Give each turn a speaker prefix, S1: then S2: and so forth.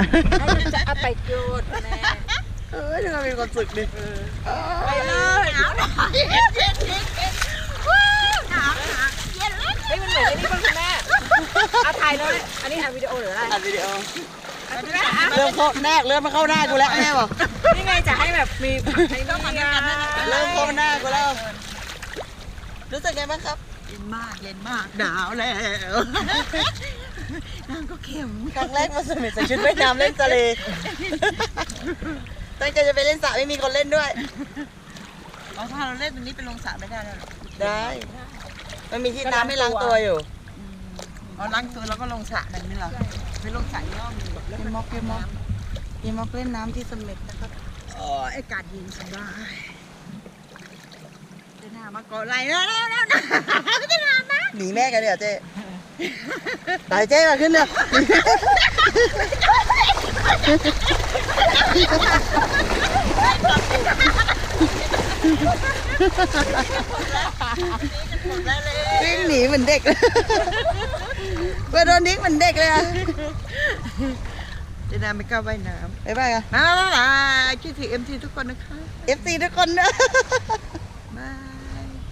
S1: จะเอาไปโยนแม่
S2: ดูมีความสุขดิ
S1: ไปเลยหนาวเย็นหนาวเย็นเลยเฮ้ยมันเหมือนไอ้นี่ป่ะคุณแม่เอาถ่ายเลยอันนี้ถ่ายวิดีโอหรืออะไร
S2: อัดวิดีโอเริ่มเข้าแนกเริ่มมาเข้าหน้ากูแล้วแม่บอก
S1: นี่ไงจะให้แบบมีต้องมาด้วยกัน
S2: เริ่มเข้าหน้ากูแล้วรู้สึกไงบ้างครับ
S1: เย็นมากหนาวแล้วน้ำก็เค็ม
S2: ครั้งแรกมาสมิธใส่ชุดว่ายน้ำเล่นทะเลตั้งใจจะไปเล่นสระไม่มีคนเล่นด้วย
S1: ถ้าเราเล่นตรงนี้เป็นลงสระไม่ได้แล้ว
S2: ได้มันมีที่น้ำให้ล้างตัวอยู่
S1: ล้างตัวแล้วก็ลงสระนั่นนี่เหรอไปลงสระย่อม
S2: เกมม็อกเล่นน้ำที่สมิธนะครับ
S1: อากาศเย็นสบายจะหน้ามาเกาะไหลแล้วจะหน้านะ
S2: หนีแม่กันเดี๋ยวเจ๊ตายเจ๊มาขึ้นเลยวิ่งหนีเหมือนเด็กเลยไปโดนดิ้งเหมือนเด็กเลยอะ
S1: จะหน้าไม่กล้าว่ายน้ำ
S2: บ๊ายบายอะ
S1: มาคิดถึง MC ทุกคนนะคะ
S2: FC ทุกคนนะ